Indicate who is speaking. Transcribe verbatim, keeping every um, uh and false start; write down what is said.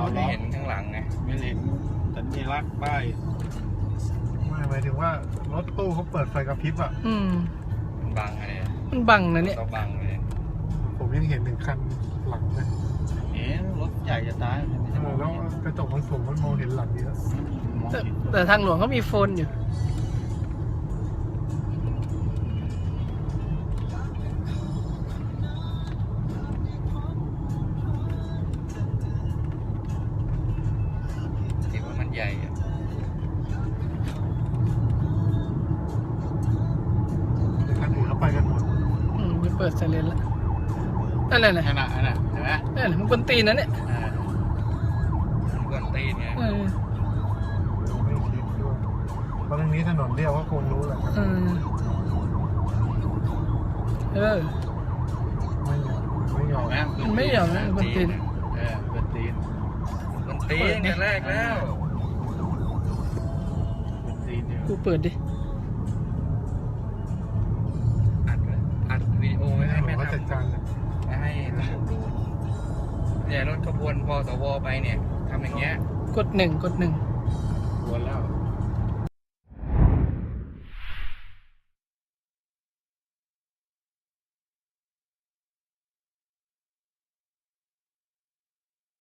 Speaker 1: ไม่เห็นข้างหลังไงไม่เห็นสัญลักษณ์ป้าย
Speaker 2: ไม่หมายถึงว่ารถตู้เขาเปิดไฟกระพริบอ่ะ
Speaker 3: อืม
Speaker 1: มันบังอะไร
Speaker 3: มันบังนะเนี่ย
Speaker 1: เราบังเลย
Speaker 2: ผมยังเห็นหนึ่งคันหลังเลย
Speaker 1: เอ๊ะรถใหญ่จะตาย
Speaker 2: แล้วกระจกมันสูงมันมองเห็นหลังเยอะ
Speaker 3: แต่แต่ทางหลวงเขามีโฟนอยู่
Speaker 1: ถือว่ามันใหญ่อะ
Speaker 2: คันอื่นเขาไปกันหมด
Speaker 3: อืมจะเปิดไซเรนแล้วนั่นแหละนะ
Speaker 1: นั่นน่ะนั่นน่ะเห็นไหม
Speaker 3: นั่นแหละมันกวนตีนนะเนี่ย
Speaker 1: มันกวนตีนไง
Speaker 3: เออ
Speaker 2: ไม่คิดด้วยเพราะตรงนี้ถนนเรียกว่าคงรู้แหละครับ
Speaker 3: เออเออ
Speaker 2: ไม่ยอมไม่ยอม
Speaker 3: มันไม่ยอมนะกวนตีน
Speaker 1: เออกวนตีนกวนตีนกันแรกแล้วกวนตีนเนี่ย
Speaker 3: กูเปิดดิ
Speaker 1: อัดเลยอัดวิดีโอไว้ให้แม่ทำ
Speaker 2: จัดการเลย
Speaker 1: ไม่ให้ตำรวจดูเนี่ยรถขบวนพอสวไปเนี่ยทำอย่างเงี้ย
Speaker 3: กดหนึ่งกดหนึ่ง
Speaker 1: ขบวนแล้ว